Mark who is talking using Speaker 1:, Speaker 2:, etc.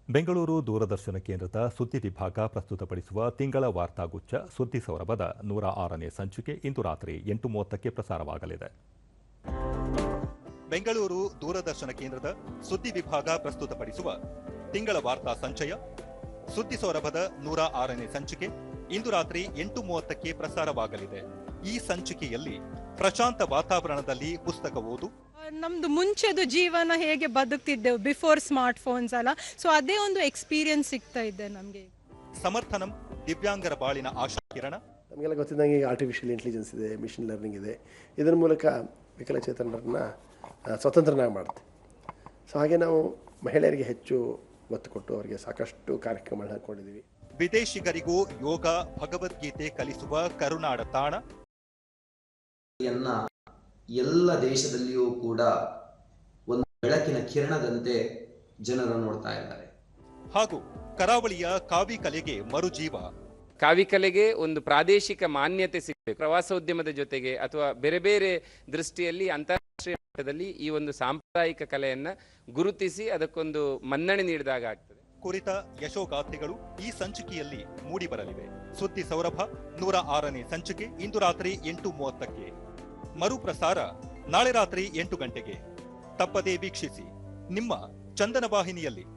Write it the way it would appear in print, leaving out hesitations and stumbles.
Speaker 1: ಬೆಂಗಳೂರು ದೂರದರ್ಶನ ಕೇಂದ್ರದ ಸುದ್ದಿ ವಿಭಾಗ ಪ್ರಸ್ತುತಪಡಿಸುವ ತಿಂಗಳ ವಾರ್ತಾಗುಚ್ಛ ಸುದ್ದಿ ಸೌರಭದ 106ನೇ ಸಂಚಿಕೆ ಇಂದು ರಾತ್ರಿ 8:30ಕ್ಕೆ ಪ್ರಸಾರವಾಗಲಿದೆ. ಬೆಂಗಳೂರು ದೂರದರ್ಶನ ಕೇಂದ್ರದ ಸುದ್ದಿ ವಿಭಾಗ ಪ್ರಸ್ತುತಪಡಿಸುವ ತಿಂಗಳ ವಾರ್ತಾ ಸಂಚಯ ಸುದ್ದಿ ಸೌರಭದ 106ನೇ ಸಂಚಿಕೆ ಇಂದು ರಾತ್ರಿ 8:30ಕ್ಕೆ ಪ್ರಸಾರವಾಗಲಿದೆ. ಈ ಸಂಚಿಕೆಯಲ್ಲಿ ಪ್ರಶಾಂತ ವಾತಾವರಣದಲ್ಲಿ ಪುಸ್ತಕ ಓದು,
Speaker 2: ನಮ್ದು ಮುಂಚೆದು ಜೀವನ ಹೇಗೆ ಬದುಕ್ತಿದ್ದೆವು ಬಿಫೋರ್ ಸ್ಮಾರ್ಟ್ ಫೋನ್ಸ್ ಅಲ್ಲ, ಸೊ ಅದೇ ಒಂದು ಎಕ್ಸ್ಪೀರಿಯನ್ಸ್ ಸಿಗ್ತಾ ಇದೆ ನಮಗೆ.
Speaker 1: ಸಮರ್ಥನಂ ದಿವ್ಯಾಂಗರ ಬಾಳಿನ ಆಶಾ ಕಿರಣ.
Speaker 3: ನಮಗೆಲ್ಲ ಗೊತ್ತಿದ್ದಂಗೆ ಈಗ ಆರ್ಟಿಫಿಷಿಯಲ್ ಇಂಟೆಲಿಜೆನ್ಸ್ ಇದೆ, ಮಿಷಿನ್ ಲರ್ನಿಂಗ್ ಇದೆ. ಇದರ ಮೂಲಕ ವಿಕಲಚೇತನರನ್ನ ಸ್ವತಂತ್ರನಾಗಿ ಮಾಡುತ್ತೆ. ಸೊ ಹಾಗೆ ನಾವು ಮಹಿಳೆಯರಿಗೆ ಹೆಚ್ಚು ಒತ್ತು ಕೊಟ್ಟು ಅವರಿಗೆ ಸಾಕಷ್ಟು ಕಾರ್ಯಕ್ರಮಗಳನ್ನ ಹಾಕೊಂಡಿದ್ದೀವಿ.
Speaker 1: ವಿದೇಶಿಗರಿಗೂ ಯೋಗ ಭಗವದ್ಗೀತೆ ಕಲಿಸುವ ಕರುನಾಡ ತಾಣ.
Speaker 4: ಎಲ್ಲ ದೇಶದಲ್ಲಿಯೂ ಕೂಡ ಒಂದು ಬೆಳಕಿನ ಕಿರಣದಂತೆ ಜನರು ನೋಡ್ತಾ ಇದ್ದಾರೆ.
Speaker 1: ಹಾಗೂ ಕರಾವಳಿಯ ಕಾವಿ ಕಲೆಗೆ ಮರುಜೀವ.
Speaker 5: ಕಾವಿ ಕಲೆಗೆ ಒಂದು ಪ್ರಾದೇಶಿಕ ಮಾನ್ಯತೆ ಸಿಗಬೇಕು. ಪ್ರವಾಸೋದ್ಯಮದ ಜೊತೆಗೆ ಅಥವಾ ಬೇರೆ ಬೇರೆ ದೃಷ್ಟಿಯಲ್ಲಿ ಅಂತಾರಾಷ್ಟ್ರೀಯ ಮಟ್ಟದಲ್ಲಿ ಈ ಒಂದು ಸಾಂಪ್ರದಾಯಿಕ ಕಲೆಯನ್ನ ಗುರುತಿಸಿ ಅದಕ್ಕೊಂದು ಮನ್ನಣೆ ನೀಡಿದಾಗ ಆಗ್ತದೆ.
Speaker 1: ಕುರಿತ ಯಶೋಗಾಥೆಗಳು ಈ ಸಂಚಿಕೆಯಲ್ಲಿ ಮೂಡಿಬರಲಿವೆ. ಸುದ್ದಿ ಸೌರಭ 106ನೇ ಸಂಚಿಕೆ ಇಂದು ರಾತ್ರಿ 8:30ಕ್ಕೆ. ಮರುಪ್ರಸಾರ ನಾಳೆ ರಾತ್ರಿ 8 ಗಂಟೆಗೆ. ತಪ್ಪದೇ ವೀಕ್ಷಿಸಿ ನಿಮ್ಮ ಚಂದನ ವಾಹಿನಿಯಲ್ಲಿ.